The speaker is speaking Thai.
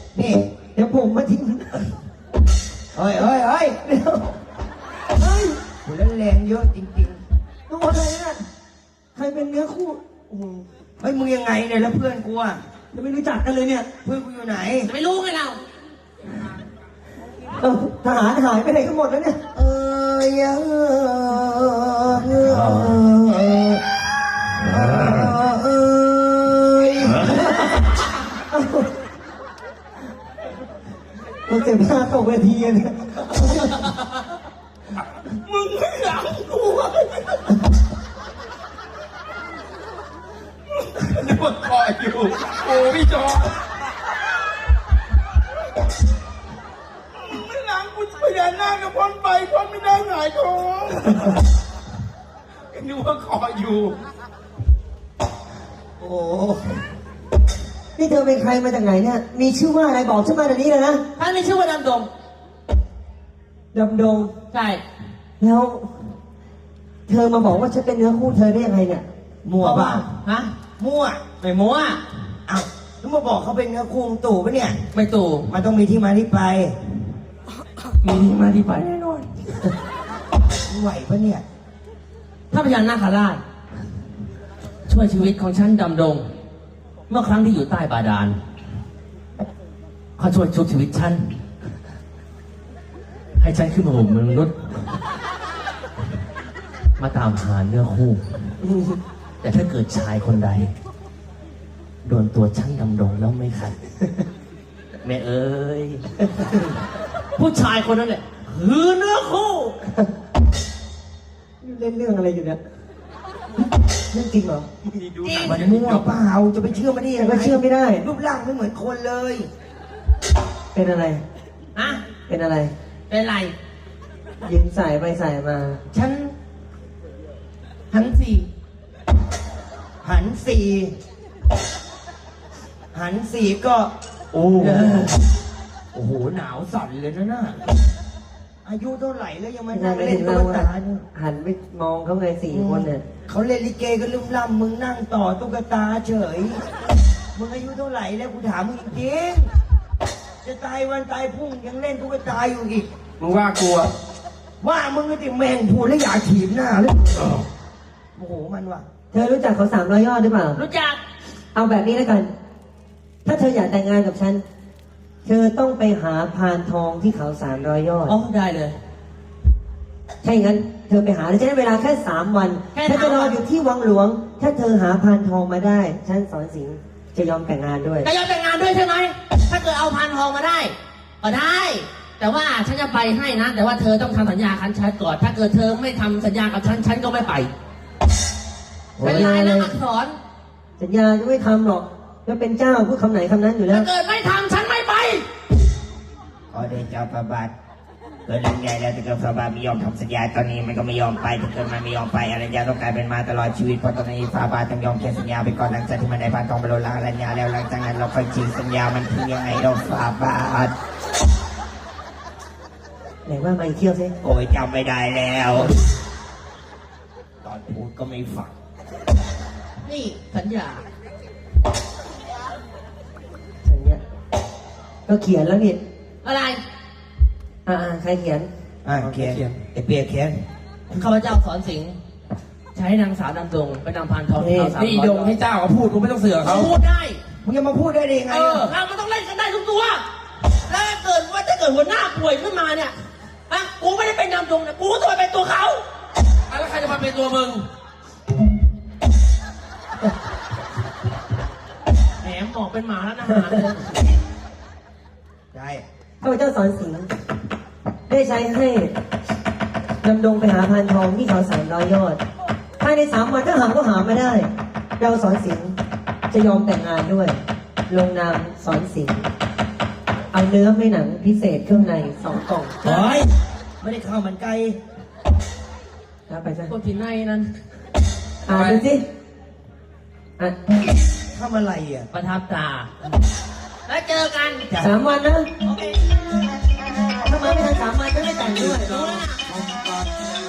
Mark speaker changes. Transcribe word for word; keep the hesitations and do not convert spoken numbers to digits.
Speaker 1: นี่เดี๋ยวผมมาทิ้งเฮ้ยเฮ้ยเฮ้ยเดี๋ยวเฮ้ยคุณเล่นแรงเยอะจริงๆตัวอะไรเนี่ยใครเป็นเนื้อคู่โอ้โหเฮ้ยมึงยังไงเนี่ยแล้วเพื่อนกูอ่ะจะไม่รู้จักกันเลยเนี่ยเพื่อนกูอยู่ไหนจะไม่รู้ไงเราเออทหารหายไปไหนกันหมดแล้วเนี่ยเออเออเออเออเราเจ็บหน้าตกเวทีเนี่ยมึงไม่หลังกู
Speaker 2: นึกว่าคอยอยู่โอ้พี่จอไม่หลังกูพยานหน้ากับพ้นไปพ้นไม่ได้หงายท้องนึกว่าคอยอยู่
Speaker 1: โอ้นี่เธอเป็นใครมาจากไหนเนี่ยมีชื่อว่าอะไรบอกชื่อมาเดี๋ยวนี้เลยนะ
Speaker 3: ท่านมีชื่อว่าดำดง
Speaker 1: ดำดง
Speaker 3: ใช่
Speaker 1: แล้วเธอมาบอกว่าฉันเป็นเนื้อคู่เธอได้ยังไงเนี่ยมั่วเปล่า
Speaker 3: ฮะ
Speaker 1: มั่ว
Speaker 3: ไม่มั่ว
Speaker 1: อ้าวแล้วมาบอกเขาเป็นเนื้อคู่ตู่ปะเนี่ย
Speaker 3: ไม่ตู่
Speaker 1: มันต้องมีที่มาที่ไป
Speaker 3: มีที่มาที่ไปแน่นอน
Speaker 1: ไหวปะเนี่ย
Speaker 3: ถ้าพญานาคราชช่วยชีวิตของฉันดำดงเมื่อครั้งที่อยู่ใต้บาดาลเขาช่วยชุบชีวิตฉันให้ฉันขึ้นมาห่มมนุษย์มาตามหาเนื้อคู่แต่ถ้าเกิดชายคนใดโดนตัวฉันดำดงแล้วไม่ขัดแม่เอ้ยผู้ชายคนนั้นแหละคือเนื้อคู่
Speaker 1: เล่นเรื่องอะไรอยู่เนี่ยเรื่องจริงเหรอ
Speaker 3: จริง
Speaker 1: มันมั่วเปล่าจะไปเชื่อมันได้ยังไงก็เชื่อไม่ได้รูปร่างไม่เหมือนคนเลยเป็นอะไร
Speaker 3: อะ
Speaker 1: เป็นอะไร
Speaker 3: เป็นไร
Speaker 1: ยืนใส่ไปใส่มา
Speaker 3: ฉันหันสี่
Speaker 1: หันสี่หันสี่ก็โอ้โอ้โหหนาวสั่นเลยนะน่ะอายุเท่าไหร่แล้วยังมานั่งเล่นตุ๊กตาหันไปมองเขาไงสี่คนเนี่ยเขาเล่นลิเกกันลืมล่ำมึงนั่งต่อตุ๊กตาเฉยมึงอายุเท่าไหร่แล้วกูถามมึงจริงจะตายวันตายพรุ่งยังเล่นตุ๊กตาอยู่อีก
Speaker 2: มึงว่ากลัว
Speaker 1: ว่ามึงก็ติแมงพูดแล้วอยากถีบหน้าเลยโอ้โหมันว่ะเธอรู้จักเขาสามร้อยยอดหรือเปล่า
Speaker 3: รู้จัก
Speaker 1: เอาแบบนี้แล้วกันถ้าเธออยากแต่งงานกับฉันเธอต้องไปหาพานทองที่เขาสามร้อยยอด
Speaker 3: อ๋อได้เลย
Speaker 1: ใช่งั้นเธอไปหาแล้วจะได้เวลาแค่สามวันถ้าจะรออยู่ที่วังหลวงถ้าเธอหาพานทองมาได้ฉันสอนสิงห์จะยอมแต่งงานด้วย
Speaker 3: จะยอมแต่งงานด้วยใช่ไหมถ้าเกิดเอาพานทองมาได้ก็ได้แต่ว่าฉันจะไปให้นะแต่ว่าเธอต้องทำสัญญาคันชัดก่อนถ้าเกิดเธอไม่ทำสัญญากับฉันฉันก็ไม่ไปเป็นลายลักษณ์อักษร
Speaker 1: สัญญาจะไม่ทำหรอกก็เป็นเจ้าพูดคำไหนคำนั้นอยู่แล้ว
Speaker 3: ถ้าเกิดไม่ทำฉันไม่ไป
Speaker 4: ขอเดชะพระบาทเกิดเรื่องใหญ่แล้วแต่เกิดพระบาทไม่ยอมทำสัญญาตอนนี้มันก็ไม่ยอมไปถ้าเกิดมันไม่ยอมไปอรัญญาต้องกลายเป็นมาตลอดชีวิตเพราะตอนนี้พระบาทต้องยอมเขียนสัญญาไปก่อนหลังจากที่มันได้พานทองไปโดนล้างอรัญญาแล้วหลังจากนั้นเราค่อยจริงสัญญามันคือยังไงเราพระบาท
Speaker 1: ไหนว่ามาอีกเที่ยวสิ
Speaker 4: โอ้ยจำไม่ได้แล้วตอนพูดก็ไม่ฟัง
Speaker 3: นี่สัญญา
Speaker 1: สัญญาก็เขียนแล้วนี่
Speaker 3: อะไร
Speaker 1: อ่าใครเขียน
Speaker 4: อ่าเขียนไอเปียเขียน
Speaker 3: ข้าพเจ้าสอนสิงห์ใช้นางสาวดำดงไปนำพานทองเขาสาม
Speaker 2: นี่ดงให้เจ้าเขาพูดกูไม่ต้องเสือกเขา
Speaker 3: พูดได้
Speaker 1: มึงจะมาพูดได้ยังไง
Speaker 3: เออเรามันต้องเล่นกันได้ทุกตัวแล้วเกิดว่าถ้าเกิดหัวหน้าป่วยขึ้นมาเนี่ยอ่ะกูไม่ได้เป็นดำดงนะกูต้องเป็นตัวเขา
Speaker 2: แล้วใครจะมาเป็นตัวมึง
Speaker 3: แหมหมอกเป็นหมาแล้วนะหาเลย
Speaker 1: ใช่ข้าพเจ้าสอนสิงห์ได้ใช้ให้ดำดงไปหาพานทองที่เขาสามร้อยยอดภายในสามวันถ้าหาก็หาไม่ได้เราสอนสิงห์จะยอมแต่งงานด้วยลงนามสอนสิงห์เอาเนื้อไม่หนังพิเศษเครื่องในสองกล่อง
Speaker 3: เฮ้ยไม่ได้ข้าวมันไก่
Speaker 1: นะไปซะ
Speaker 3: ตัวที่ในนั้น
Speaker 1: อ่านดูสิอ่ะ
Speaker 4: ทำอะไรอ่ะ
Speaker 3: ประทับตาแล้วเจอกัน
Speaker 1: สามวันนะ
Speaker 3: โอเค
Speaker 1: ถ้ามาไม่ทันสามวันจะไม่แต่งด้วย